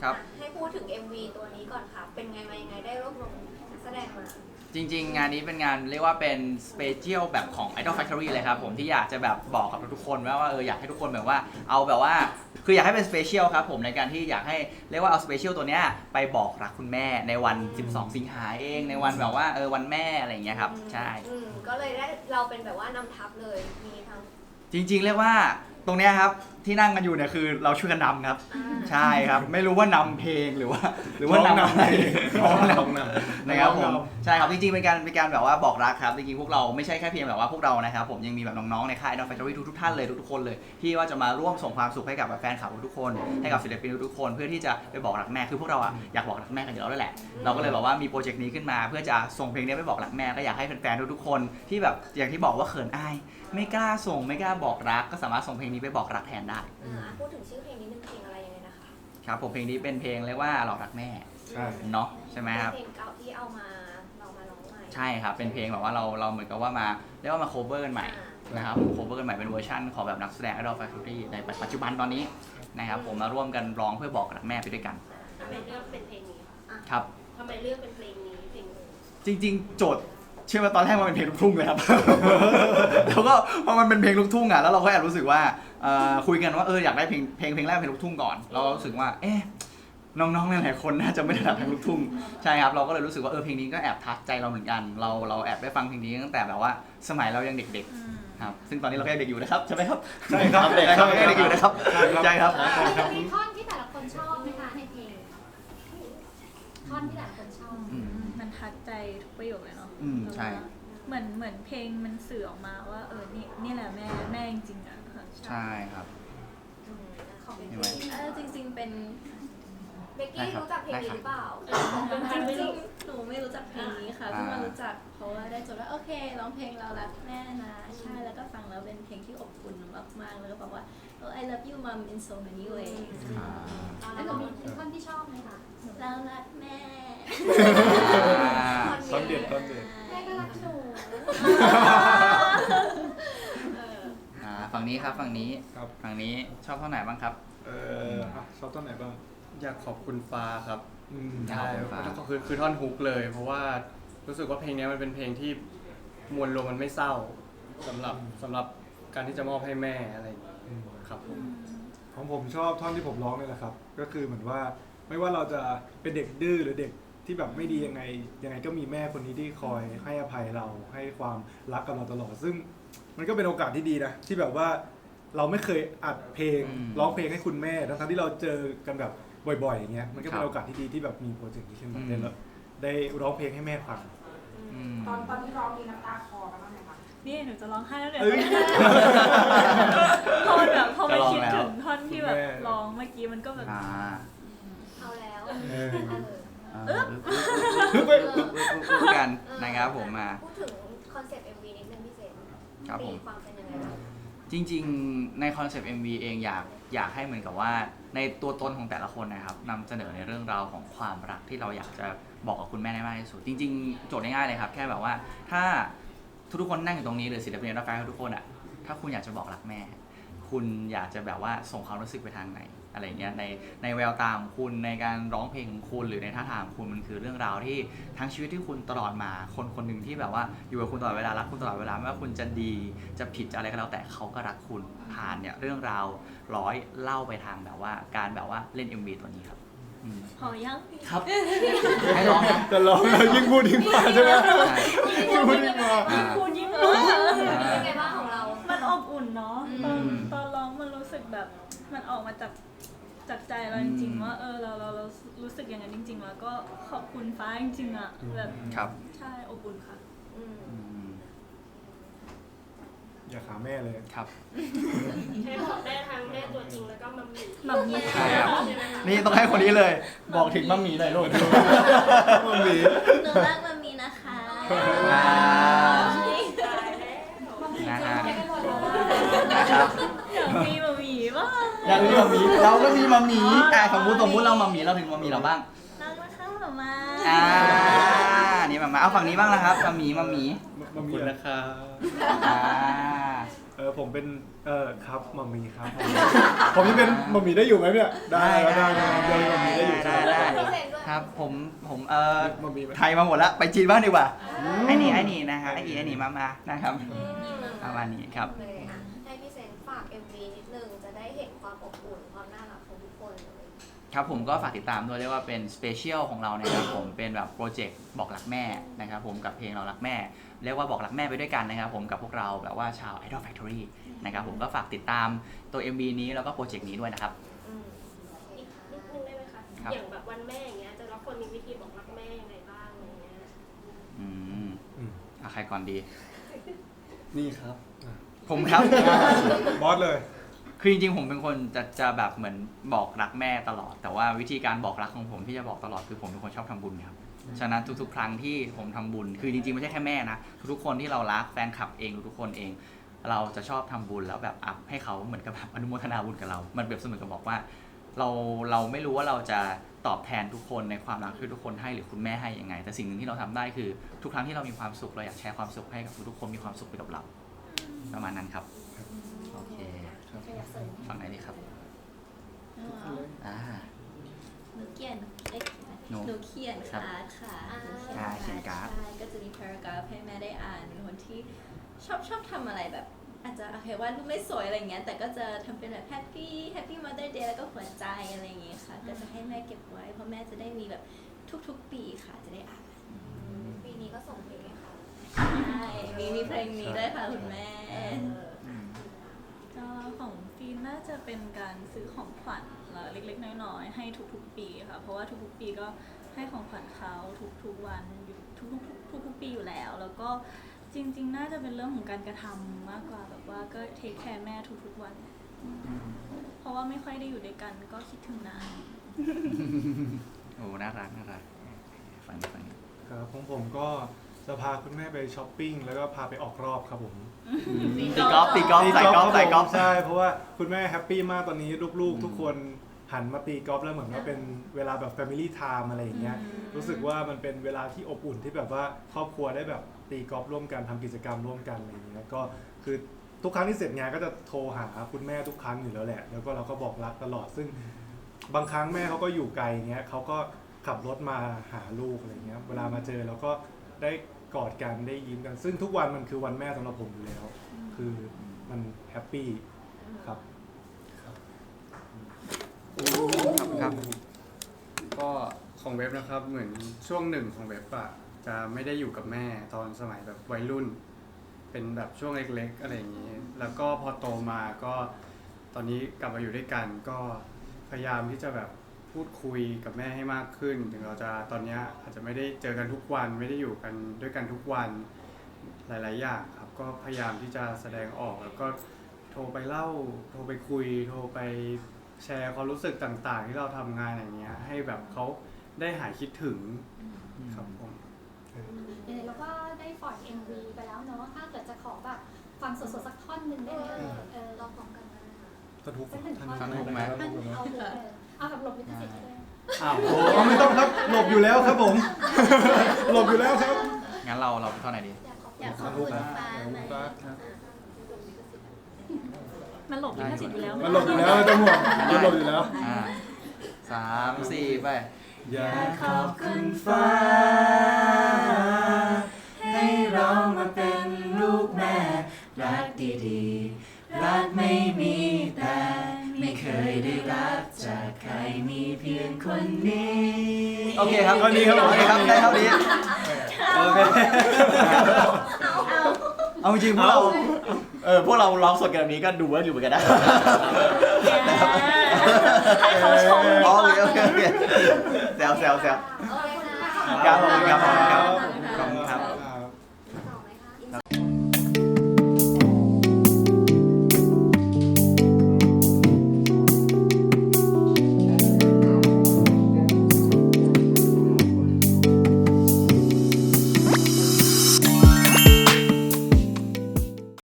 ครับให้พูดถึง MV ตัวนี้ก่อนค่ะเป็นไงมายังไงได้รวบรวมนักแสดงมาจริงๆงานนี้เป็นงานเรียกว่าเป็นสเปเชียลแบบของ Idol Factory เลยครับผมที่อยากจะแบบบอกกับทุกคนว่าอยากให้ทุกคนแบบว่าเอาแบบว่าคืออยากให้เป็นสเปเชียลครับผมในการที่อยากให้เรียกว่าเอาสเปเชียลตัวเนี้ยไปบอกรักคุณแม่ในวัน 12 สิงหาเองในวันแบบว่าวันแม่อะไรอย่างเงี้ยครับใช่ก็เลยได้เราเป็นแบบว่านำทัพเลยมีทั้งจริงๆเรียกว่าตรงเนี้ยครับที่นั่งกันอยู่เนี่ยคือเราช่วยกันนำครับใช่ครับไม่รู้ว่านำเพลงหรือว่านำเพลงร้องนำนะครับผมใช่ครับจริงๆเป็นการแบบว่าบอกรักครับจริงๆพวกเราไม่ใช่แค่เพียงแบบว่าพวกเรานะครับผมยังมีแบบน้องๆในค่าย Idol Factory ทุกท่านเลยทุกๆคนเลยที่ว่าจะมาร่วมส่งความสุขให้กับแฟนคลับทุกคนให้กับศิลปินทุกคนเพื่อที่จะไปบอกรักแม่คือพวกเราอยากบอกรักแม่กันอยู่แล้วแหละเราก็เลยแบบว่ามีโปรเจกต์นี้ขึ้นมาเพื่อจะส่งเพลงนี้ไปบอกรักแม่ก็อยากให้แฟนๆทุกๆคนที่แบบอย่างที่บอกว่าเขินอายไม่กล้าส่งไม่กล้าบอกรักก็สามารถส่งเพลงนี้ไปบอกรักแทนได้พูดถึงชื่อเพลงนี้นึงเพลงอะไรยังไงนะคะครับผมเพลงนี้เป็นเพลงเรียกว่าหลอกรักแม่เนาะใช่ไหมครับเพลงเก่าที่เอามาเรามาร้องใหม่ใช่ครับเป็นเพลงแบบว่าเราเหมือนกับว่ามาเรียกว่ามา cover กันใหม่นะครับ cover กันใหม่เป็นเวอร์ชันของแบบนักแสดง Idol Factory ในปัจจุบันตอนนี้นะครับผมมาร่วมกันร้องเพื่อบอกรักแม่ไปด้วยกันทำไมเลือกเป็นเพลงนี้ครับทำไมเลือกเป็นเพลงนี้เพลงจริงๆโจทย์เชื่อว่าตอนแรกมันเป็นเพลงลูกทุ่งเลยครับ แล้วก็พอมันเป็นเพลงลูกทุ่งอ่ะแล้วเราก็แอบรู้สึกว่าคุยกันว่าอยากได้เพลงแรกเป็นลูกทุ่งก่อนเรารู้สึกว่าน้องๆหลายคนน่าจะไม่ได้รักเพลงลูกทุ่งใช่ครับเราก็เลยรู้สึกว่าเพลงนี้ก็แอบทัชใจเราเหมือนกันเราแอบได้ฟังเพลงนี้ตั้งแต่แบบว่าสมัยเรายังเด็กๆครับซึ่งตอนนี้เราก็ยังเด็กอยู่นะครับใช่ไหมครับใช่ครับเด็กอยู่นะครับใช่ครับมีท่อนที่แต่ละคนชอบไหมคะในเพลงท่อนที่แต่ละคนชอบมันทัดใจทุกประโยคเลยเนาะใช่เหมือนเพลงมันสื่อออกมาว่านี่แหละแม่จริงๆอ่ะใช่ครับจริงๆเป็นเบกกี้รู้จักเพลงนี้หรือเปล่าจริงๆหนูไม่รู้จักเพลงนี้ค่ะเพิ่งมารู้จักเพราะว่าได้จดว่าโอเคร้องเพลงเรารักแม่นะใช่แล้วก็ฟังแล้วเป็นเพลงที่อบอุ่นมากๆแล้วก็บอกว่า I love you mom in so many ways แล้วก็มีท่อนที่ชอบไหมคะเรารักแม่ต้นเด็ดแม่ก็รักหนูฝั่งนี้ครับฝั่งนี้ชอบท่อนไหนบ้างครับชอบต้นไหนบ้างอยากขอบคุณฟ้าครับใช่คือท่อนฮุกเลยเพราะว่ารู้สึกว่าเพลงนี้มันเป็นเพลงที่มวลรวมมันไม่เศร้าสำหรับการที่จะมอบให้แม่อะไรครับของผมชอบท่อนที่ผมร้องนี่แหละครับก็คือเหมือนว่าไม่ว่าเราจะเป็นเด็กดื้อหรือเด็กที่แบบไม่ดียังไงก็มีแม่คนนี้ที่คอยให้อภัยเราให้ความรักกับเราตลอดซึ่งมันก็เป็นโอกาสที่ดีนะที่แบบว่าเราไม่เคยอัดเพลงร้องเพลงให้คุณแม่ทั้งที่เราเจอกันแบบบ่อยๆอย่างเงี้ยมันก็เป็นโอกาสที่ดีที่แบบมีโปรเจกต์นี้ขึ้นมาได้ร้องเพลงให้แม่ฟังตอนที่ร้องมีน้ำตาคลอกันบ้างไหมคะนี่หนูจะร้องไห้แล้วเนี่ยพอไปคิดถึงท่อนที่แบบร้องเมื่อกี้มันก็แบบเอาแล้วพูดกันนะครับผมมาพูดถึงคอนเซ็ปต์ MV นิดนึงพี่เจมตีความเป็นยังไงบ้างจริงๆในคอนเซปต์ MV เองอยากให้เหมือนกับว่าในตัวตนของแต่ละคนนะครับนำเสนอในเรื่องราวของความรักที่เราอยากจะบอกกับคุณแม่ได้มากที่สุดจริงๆโจทย์ง่ายๆเลยครับแค่แบบว่าถ้าทุกคนนั่งอยู่ตรงนี้หรือศิลปินรับฟังทุกคนอ่ะถ้าคุณอยากจะบอกรักแม่คุณอยากจะแบบว่าส่งความรู้สึกไปทางไหนอะไรเงี้ยในแววตาของคุณในการร้องเพลงของคุณหรือในท่าทางของคุณมันคือเรื่องราวที่ทั้งชีวิตที่คุณตลอดมาคนหนึ่งที่แบบว่าอยู่กับคุณตลอดเวลารักคุณตลอดเวลาไม่ว่าคุณจะดีจะผิดจะอะไรก็แล้วแต่เขาก็รักคุณผ่านเนี่ยเรื่องราวร้อยเล่าไปทางแบบว่าการแบบว่าเล่น MV ตัวนี้ครับพอยังครับให้ร้องนะจะร้องแล้วยิ่งพูดยิ่งมาใช่ไหมยิ่งพูดยิ่งมาเป็นไงบ้างของเรามันอบอุ่นเนาะตอนร้องมันรู้สึกแบบมันออกมาจากใจเราจริงๆว่าเรารู้สึกอย่างนั้นจริงๆแล้วก็ขอบคุณฟ้าจริงๆอ่ะแบบใช่อบอุ่นค่ะอย่าขาแม่เลยครับใช้บอกได้ทั้งแม่ตัวจริงแล้วก็มัมมี่ใช่ครับนี่ต้องให้คนนี้เลยบอกถึงมัมมี่หน่อยลูกมัมมี่หนูรักมัมมี่นะคะนะครับอยากมีมัมมี่บ้างอยากมีมัมมี่เราก็มีมัมมี่สมมุติเรามัมมี่เราถึงมัมมี่เราบ้างรักนะคะหมานี่มาเอาฝั่งนี้บ้างนะครับมัมมี่ขอบคุณนะครับผมเป็นครับมัมมี่ครับผมจะเป็นมัมมี่ได้อยู่ไหมเนี่ยได้ยังมัมมี่ได้อยู่ครับผมมันมีไหมไทยมาหมดแล้วไปจีนบ้างดีกว่าไอ้นี่นะครับไอ้นี่มานะครับประมาณนี้ครับเลยอ่ะให้พี่เซนฝาก MV นิดนึงจะได้เห็นความอบอุ่นความน่ารักของทุกคนเลยครับผมก็ฝากติดตามด้วยเรียกว่าเป็นสเปเชียลของเรานะครับผมเป็นแบบโปรเจกต์บอกรักแม่นะครับผมกับเพลงเรารักแม่เรียกว่าบอกรักแม่ไปด้วยกันนะครับผมกับพวกเราแบบว่าชาว Idol Factory นะครับผมก็ฝากติดตามตัว MV นี้แล้วก็โปรเจกต์นี้ด้วยนะครับอีกนิดนึงได้ไหมคะครับอย่างแบบวันแม่อย่างเงี้ยจะรับคนมีวิธีบอกรักแม่ยังไงบ้างอะไรเงี้ยอืมใครก่อนดีนี่ครับผมครับบอสเลยคือจริงๆผมเป็นคนจะแบบเหมือนบอกรักแม่ตลอด แต่ว่าวิธีการบอกรักของผมที่จะบอกตลอดคือผมเป็นคนชอบทำบุญครับฉะนั้นทุกๆครั้งที่ผมทำบุญคือจริงๆไม่ใช่แค่แม่นะทุกๆคนที่เรารักแฟนคลับเองทุกๆคนเอง เราจะชอบทำบุญแล้วแบบอัพให้เขาเหมือนกับแบบอนุโมทนาบุญกับเรา มันเปรียบเสมือนกับบอกว่าเราไม่รู้ว่าเราจะตอบแทนทุกคนในความรักที่ทุกคนให้หรือคุณแม่ให้ยังไง แต่สิ่งหนึ่งที่เราทำได้คือทุกครั้งที่เรามีความสุขเราอยากแชร์ความสุขให้กับทุกๆคนมีความสุขไปกับเราประมาณนั้นครับโอเคใครอยากเสริมฝั่งไหนดีครับอ่าหนูเขียนหนูหนูเขียนครับการ์ดค่ะเขียนการ์ดใช่ก็จะมีพารากราฟให้แม่ได้อ่านเป็นคนที่ชอบทำอะไรแบบ อาจจะโอเคว่ารูปไม่สวยอะไรเงี้ยแต่ก็จะทำเป็นแบบแฮปปี้ม Mother Day แล้วก็หัวใจอะไรอย่างเงี้ยค่ะก็จะให้แม่เก็บไว้เพราะแม่จะได้มีแบบทุกๆปีค่ะจะได้อ่านปีนี้ก็ส่งเพลงให้เขาใช่มีเพลงนี้ด้วยค่ะคุณแม่ก็ของฟีนน่าจะเป็นการซื้อของขวัญเล็กๆน้อยๆให้ทุกๆปีค่ะเพราะว่าทุกๆปีก็ให้ของขวัญเขาทุกๆวันอยู่ทุกๆปีอยู่แล้วแล้วก็จริงๆน่าจะเป็นเรื่องของการกระทำมากกว่าแบบว่าก็เทคแคร์แม่ทุกๆวันเพราะว่าไม่ค่อยได้อยู่ด้วยกันก็คิดถึงนานโอ้น่ารักฝั่งนี้ครับของผมก็จะพาคุณแม่ไปช้อปปิ้งแล้วก็พาไปออกรอบครับผมตีกอล์ฟใส่กอล์ฟใช่เพราะว่าคุณแม่แฮปปี้มากตอนนี้ลูกๆ ทุกคนหันมาตีกอล์ฟแล้วเหมือนว่าเป็นเวลาแบบ Family Time อะไรอย่างเงี้ยรู้สึกว่ามันเป็นเวลาที่อบอุ่นที่แบบว่าครอบครัวได้แบบตีกอล์ฟร่วมกันทำกิจกรรมร่วมกันอะไรอย่างเงี้ยก็คือทุกครั้งที่เสร็จงานก็จะโทรหาคุณแม่ทุกครั้งอยู่แล้วแหละแล้วก็เราก็บอกรักตลอดซึ่งบางครั้งแม่เขาก็อยู่ไกลเงี้ยเขาก็ขับรถมาหาลูกอะไรเงี้ยเวลามาเจอเราก็ได้กอดกันได้ยิ้มกันซึ่งทุกวันมันคือวันแม่สำหรับผมอยู่แล้วคือมันแฮปปี้ครับครับก็ของเว็บนะครับเหมือนช่วงหนึ่งของเว็บอะจะไม่ได้อยู่กับแม่ตอนสมัยแบบวัยรุ่น เป็นแบบช่วงเล็กๆอะไรอย่างนี้ แล้วก็พอโตมาก็ตอนนี้กลับมาอยู่ด้วยกันก็พยายามที่จะแบบพูดคุยกับแม่ให้มากขึ้น ถึงเราจะตอนนี้อาจจะไม่ได้เจอกันทุกวันไม่ได้อยู่กันด้วยกันทุกวันหลายๆอย่างครับก็พยายามที่จะแสดงออกแล้วก็โทรไปเล่าโทรไปคุยโทรไปแชร์ความรู้สึกต่างๆ ที่เราทำงานอย่างเงี้ยให้แบบเขาได้หายคิดถึงครับผมแล้วก็ได้ปล่อย MV ไปแล้วเนาะถ้าเกิดจะขอแบบฟังสดๆสักท่อนหนึ่งได้ไหมลองพร้อมกันได้ค่ะสนุกสักหนึ่งท่อนสนุกไหมเอาแบบหลบลิขสิทธิ์ด้วยอ้าวโอ้ไม่ต้องครับหลบอยู่แล้วครับผม หลบอยู่แล้วครับงั้นเราไปเท่าไหนดีอยากขอบคุณฟ้าไหมมันหลบลิขสิทธิ์อยู่แล้วมันหลบอยู่แล้วจะหมดมันหลบอยู่แล้ว 3 4 ไปอยากขอบคุณฟ้าให้เรามาเป็นลูกแม่รักดีๆรักไม่มีแต่ไม่เคยได้รับจากใครมีเพียงคนนี้โอเคครับเท่านี้ครับผมโอเคครับได้เท่านี้โอเคเอาจริงๆพวกเราร้องสดกันแบบนี้ก็ดูเวิร์กอยู่เหมือนกันนะให้เขาชมดีกว่าโอเคแซวโอเคนะครับผมครับ